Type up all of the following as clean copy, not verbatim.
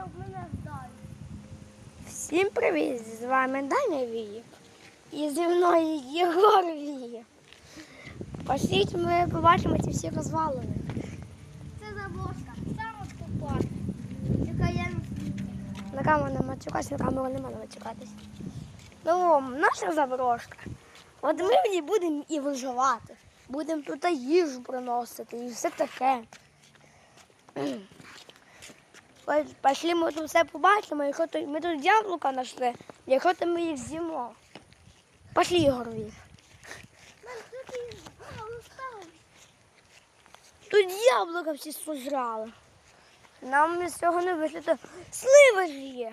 мене вдарив. Всім привіт! З вами Даня Віїв. І зі мною Єгор Віїв. Пошліть, ми побачимо ці всі розвалини. Це заброшка. Саме скупа. Яка я На камеру не мачукатись, на камеру не можна мачукатись. Ну, наша заброшка. От ми в ній будемо і виживати. Будемо тут їжу приносити і все таке. Пішли, ми тут все побачимо, якщо ми тут яблука знайшли, якщо то ми їх з'їмо. Пішли, Ігор Віїв. Тут яблука всі сожрали. Нам з цього не вийшло. Сливи ж є.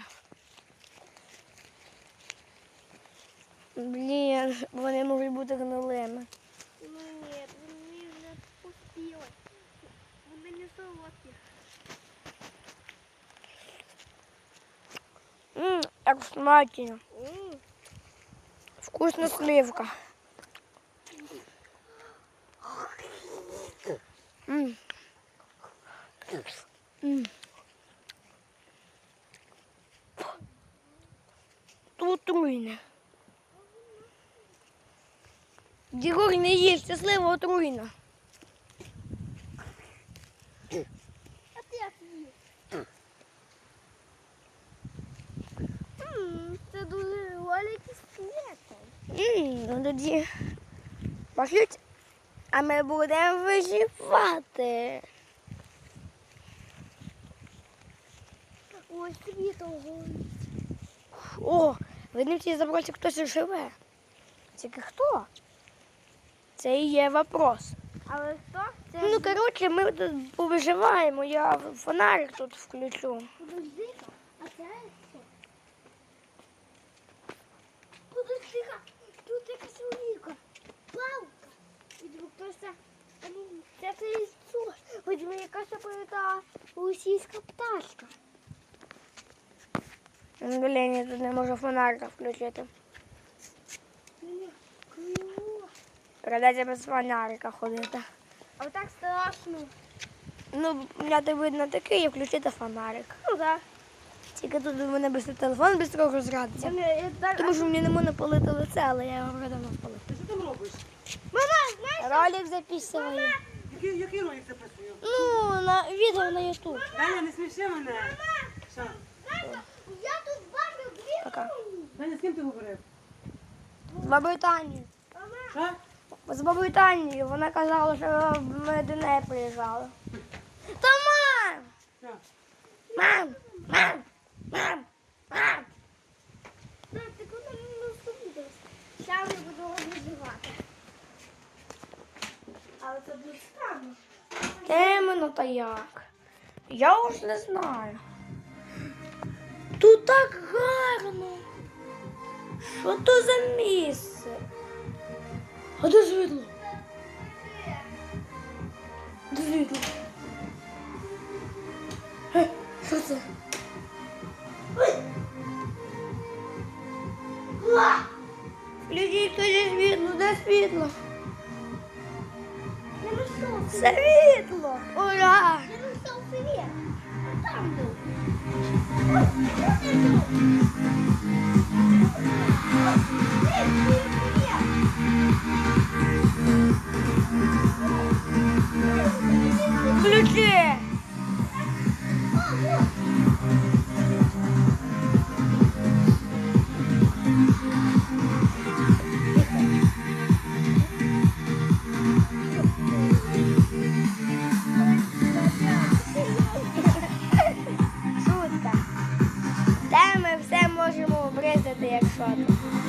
Блін, вони можуть бути гнилими. Ну ні, вони вже пустили. Вони не солодкі. Як смачно. Вкусна сливка. Тут отруйне. Єгор, не їсть, це слива отруйна. А ти як їв? Це дуже великий слід. Ну тоді пошлють, а ми будемо виживати. Ось світло горить. О, видно, в цій заброшці хтось живе. Тільки хто? Це і є вопрос. Але хто? Це Ну, коротше, ми тут повиживаємо, я фонарик тут включу. подожди-ка. А це що? Подожди-ка. Тут якась уліка. Палка. І вдруг хтось це яйцо. Видимо, якась та російська пташка. Блін, я тут не можу фонарика включити. Криво. Придеться без фонарика ходити. А так страшно. Ну, мені видно такий, і включити фонарик. Ну так. Тільки тут у мене без телефон швидко розрядиться. Тому що мені не можна палити лице, але я його вже давно палив. Ти що там робиш? Мама, знаєш? Ролик записую. Який ролик записую? Ну, на відео на YouTube. Даня, не сміши мене. Що? Я тут бачу дві. Пока. Даня, з ким ти говорив? З бабою Танею. Що? З бабою Танею. Вона казала, що ми до неї приїжджали. Та мам! Що? Мам! Мам! Мам! Мам! Ти куди не наступиш? Зараз я буду виживати. Але це буде странно. Темно та як? Я уж не знаю. Тут так гарно. Що то за місце? А де світло? Де світло? Що це? Включіть тоді світло, де світло? Я знайшов. Світло! Ура! Я знайшов світ. Там був. Ось, ось я тут. Включи! Шутка. Де ми все можемо обрізати, якщо то.